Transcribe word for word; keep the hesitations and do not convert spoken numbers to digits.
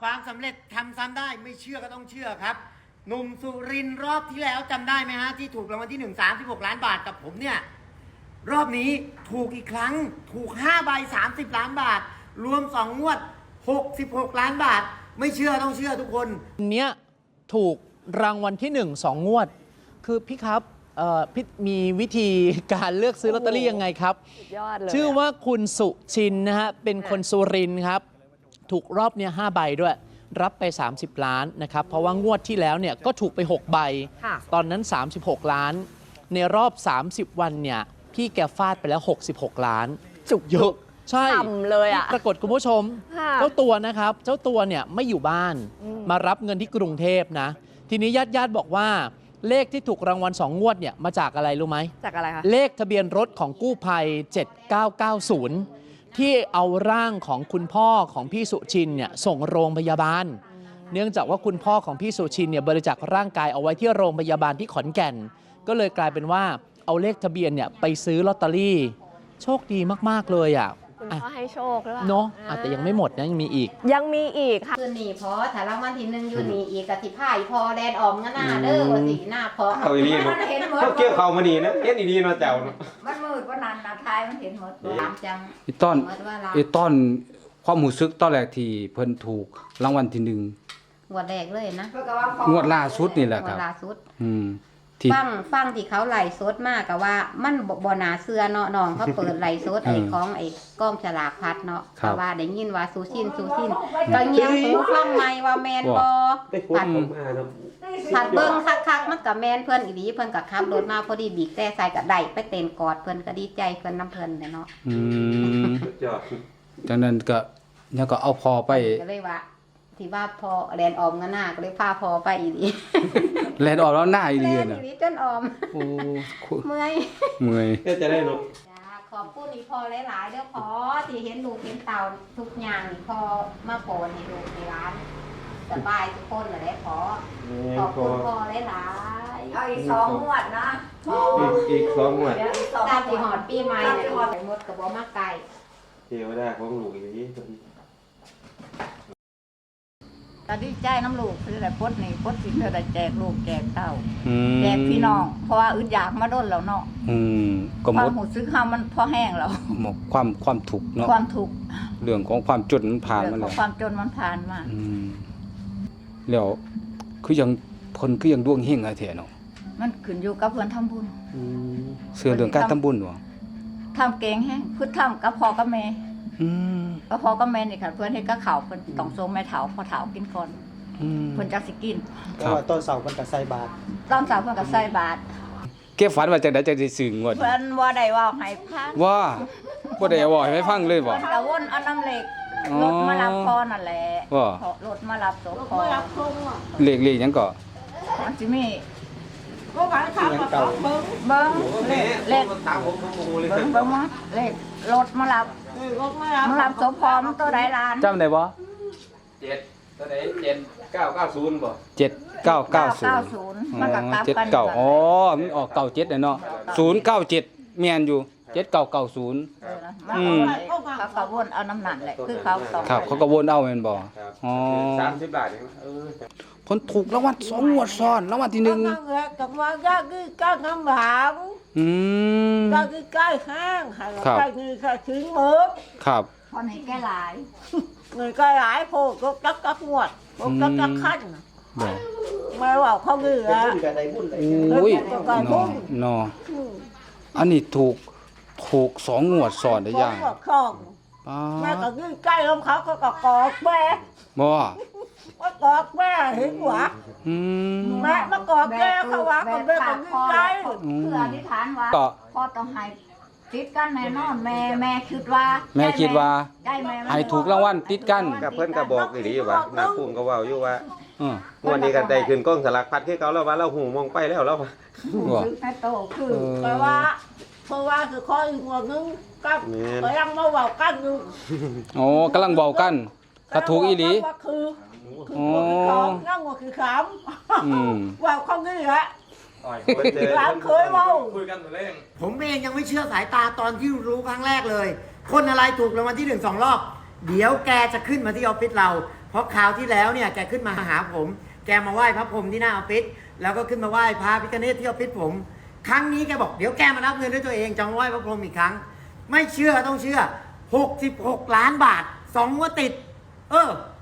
ความสำเร็จทำซ้ำได้ไม่เชื่อก็ต้องเชื่อครับหนุ่มสุรินทร์รอบที่แล้วจำได้ไหมฮะที่ถูกรางวัลที่หนึ่ง สามสิบหกล้านบาทกับผมเนี่ยรอบนี้ถูกอีกครั้งถูกห้าใบสามสิบล้านบาทรวมสองงวดหกสิบหกล้านบาทไม่เชื่อต้องเชื่อทุกคนเนี้ยถูกรางวัลที่หนึ่งสองงวดคือพี่ครับพี่มีวิธีการเลือกซื้อลอตเตอรี่ยังไงครับยอดเลยชื่อว่าคุณสุชินนะฮะเป็นคนสุรินทร์ครับถูกรอบเนี้ยห้าใบด้วยรับไปสามสิบล้านนะครับเพราะว่างวดที่แล้วเนี่ยก็ถูกไปหกใบตอนนั้นสามสิบหกล้านในรอบสามสิบวันเนี่ยพี่แกฟาดไปแล้วหกสิบหกล้านจุกเยอะใช่เลยอ่ะปรากฏคุณผู้ชมเจ้าตัวนะครับเจ้าตัวเนี่ยไม่อยู่บ้านมารับเงินที่กรุงเทพนะทีนี้ญาติญาติบอกว่าเลขที่ถูกรางวัลสองงวดเนี่ยมาจากอะไรรู้ไหมจากอะไรคะเลขทะเบียนรถของกู้ภัยเจ็ดเก้าเก้าศูนย์ที่เอาร่างของคุณพ่อของพี่สุชินเนี่ยส่งโรงพยาบาลเนื่องจากว่าคุณพ่อของพี่สุชินเนี่ยบริจาคร่างกายเอาไว้ที่โรงพยาบาลที่ขอนแก่นก็เลยกลายเป็นว่าเอาเลขทะเบียนเนี่ยไปซื้อลอตเตอรี่โชคดีมากๆเลยอ่ะคุณพ่อให้โชคหรือเปล่าเนาะแต่ยังไม่หมดนะยังมีอีกยังมีอีกค่ะคือหนีพอถ้ารางวัลที่หนึ่งอยู่หนีอีกกะสิพ่ายพอแดนออมกันหน้าเด้อว่าสีหน้าพอเอาอีนี่เนาะเห็นหมดเกี่ยวเขามาดีนะเห็นอีนี่เนาะเจ้าเนาะมันมืดว่านานนาทายมันเห็นหมดตามจังไอ้ต้นไอ้ต้นความรู้สึกตอนแรกที่เพิ่นถูกรางวัลที่หนึ่งงวดแรกเลยนะงวดล่าสุดนี่แหละครับงวดล่าสุดอืมฟังฟังที่เขาไหลสดมากกับว่ามันบ่นาเสื้อเนาะน้องเขาเปิดไหลสดไอ้ของไอ้ก้องฉลากพัดเนาะแต่ว่าได้ยินว่าซูชินซูชินก็เงียบหูฟังไม่ว่าแมนบอผัดผัดเบิ้งคักๆมันกับแมนเพื่อนอีดีเพื่อนกับขับรถมาพอดีบีบแต่ใส่กับได้ไปเต้นกอดเพื่อนก็ดีใจเพื่อนน้ำเพื่อนเลยเนาะอืมจากนั้นก็ยังก็เอาพอไปก็เลยว่าที่ว่าพอแลนออมกันหน้าก็เลยพาพอไปอีดีแลนออมแล้วหน้าอีดีน่ะอีดีจนออมโอ้เมื่อยเมื่อยจะได้เนาะขอบคุณอีพอหลายๆเด้อพอที่เห็นลูกเห็นเต่าทุกอย่างนี่พอมาโปรดให้ลูกในร้านสบายทุกคนเลยพอขอบคุณพอหลายๆเอาอีกสองงวดนะอีกสองงวดตามที่หอดปีใหม่เนี่ยใส่หมดกับบ่มาไก่เทวดาของลูกอีนี้ก็ดีใจน้ำลูกคือแต่พดนี่พดสิเธอได้แจกลูกแจกเต้าแจกพี่น้องเพราะว่าอึดอยากมาด้นแล้วเนาะความหูซื้อข้าวมันพอแห้งแล้วความความถูกเนาะความถูกเรื่องของความจนมันผ่านมาแล้วความจนมันผ่านมาแล้วคือยังคนคือยังดวงเฮงอะไรแท้เนาะมันขึ้นอยู่กับเพื่อนทำบุญเสื่อเรื่องการทำบุญหรอทำเก่งแห้งพึ่งทำกับพ่อกับแม่ก็พอก็แม่นี่ค่ะเพื่อนให้ก็เข่าเพื่อนต้องโซมแม่เถาพอเถากินก่อนเพื่อนจักสิกินก็ต้นเสาเพื่อนกับใส่บาตรต้นเสาเพื่อนกับใส่บาตรเก็บฝันว่าจะได้จะได้สื่องวดเพื่อนว่าได้ว่าให้พังว่าว่าได้ว่าให้ฟังเลยบ่เพื่อนกะวนเอาน้ำเหล็กรถมารับพอนั่นแหละว่ารถมารับศพพอเหล็กเหล็กยังก่อมันจะมีเบิ้งเบิ้งเล็กเล็กเบิ้งเบิ้งว่าเล็กรถมารับมารับศพพอมันตัวใดล้านจำได้บ่เจ็ดตัวไหนเจ็ดเก้าเก้าศูนย์บ่เจ็ดเก้าเก้าศูนย์มันก็กลับกันเก้าอ๋อมันออกเก้าเจ็ดเลยเนาะศูนย์เก้าเจ็ดแม่นอยู่เจ็ดเก้าเก้าศูนย์อืมเขาก็วนเอาน้ำหนักแหละคือเขาต้องครับเขาก็วนเอาแม่นบ่อ๋อสามสิบบาทเออคนถูกรางวัลสองงวดซ้อนรางวัลที่หนึ่งกับว่าก็คือก้าวคำหลังอืมก็คือใกล้ห้างค่ะใกล้เงินค่ะถึงมือครับพอไหนใกล้หลายเงินใกล้หลายโผล่ก็จักจักงวดก็จักจักขั้นไม่ว่าเขาเงือโอ้ยนออันนี้ถูกถูกสองงวดซ้อนได้ยังแม่ก็คือใกล้ลมเขาก็กอดแม่บ่มากอดแม่เห็นหัวแม่มากอดแม่เขาว่าก็แม่ก็คือใกล้คืออธิษฐานว่าพ่อต้องให้ติดกันแน่นอนแม่แม่คิดว่าแม่คิดว่าให้ถูกรางวัลติดกันกับเพื่อนก็บอกอีหลีว่าน้าพุ่มก็เว้าอยู่ว่าวันนี้กันได้ขึ้นกล้องสลักพัดคือเขาแล้วว่าเราหูมองไปแล้วแล้วว่าคือแม่โตคือแปลว่าเพราะว่าคือข้ออีกหัวนึงกับกำลังมาเว้ากันอยู่โอ้กำลังเว้ากันถ้าถูกอีหลีคือคือของนั่งว่าคือขำว่าเขานี่แหละร้านเคยเมาคุยกันตัวเล่งผมเองยังไม่เชื่อสายตาตอนที่รู้ครั้งแรกเลยคนอะไรถูกรางวัลที่หนึ่งสองรอบเดี๋ยวแกจะขึ้นมาที่ออฟฟิศเราเพราะคราวที่แล้วเนี่ยแกขึ้นมาหาผม แกมาไหว้พระพรหมที่หน้าออฟฟิศแล้วก็ขึ้นมาไหว้พระพิฆเนศที่ออฟฟิศผม ครั้งนี้แกบอกเดี๋ยวแกมารับเงินด้วยตัวเองจะมาไหว้พระพรหมอีกครั้ง ไม่เชื่อต้องเชื่อหกสิบหกล้านบาทสองงวดติด เออ